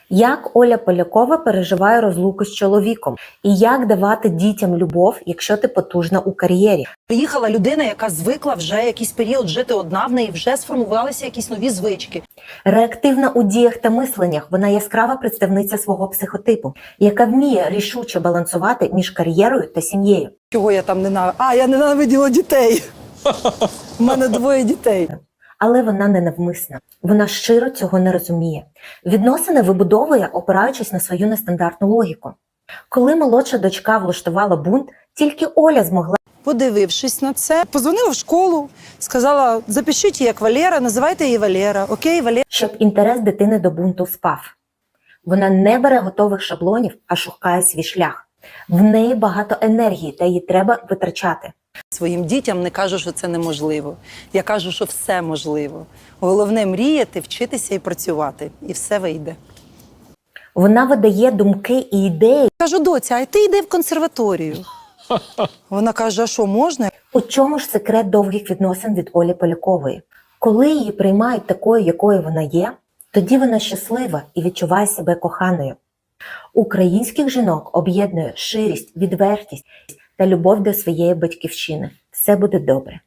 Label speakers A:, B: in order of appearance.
A: Як Оля Полякова переживає розлуку з чоловіком? І як давати дітям любов, якщо ти потужна у кар'єрі?
B: Приїхала людина, яка звикла вже якийсь період жити одна, в неї вже сформувалися якісь нові звички.
A: Реактивна у діях та мисленнях, вона яскрава представниця свого психотипу, яка вміє рішуче балансувати між кар'єрою та сім'єю.
B: Чого я там ненавиділа? Я ненавиділа дітей. У мене 2 дітей.
A: Але вона не навмисна. Вона щиро цього не розуміє. Відносини вибудовує, опираючись на свою нестандартну логіку. Коли молодша дочка влаштувала бунт, тільки Оля змогла.
B: Подивившись на це, позвонила в школу, сказала, запишіть її як Валера, називайте її Валера. Окей, Валера.
A: Щоб інтерес дитини до бунту спав. Вона не бере готових шаблонів, а шукає свій шлях. В неї багато енергії, та її треба витрачати.
B: Своїм дітям не кажу, що це неможливо. Я кажу, що все можливо. Головне мріяти, вчитися і працювати. І все вийде.
A: Вона видає думки і ідеї.
B: Кажу, доця, а ти йди в консерваторію. Вона каже, а що, можна?
A: У чому ж секрет довгих відносин від Олі Полякової? Коли її приймають такою, якою вона є, тоді вона щаслива і відчуває себе коханою. Українських жінок об'єднує ширість, відвертість та любов до своєї батьківщини. Все буде добре.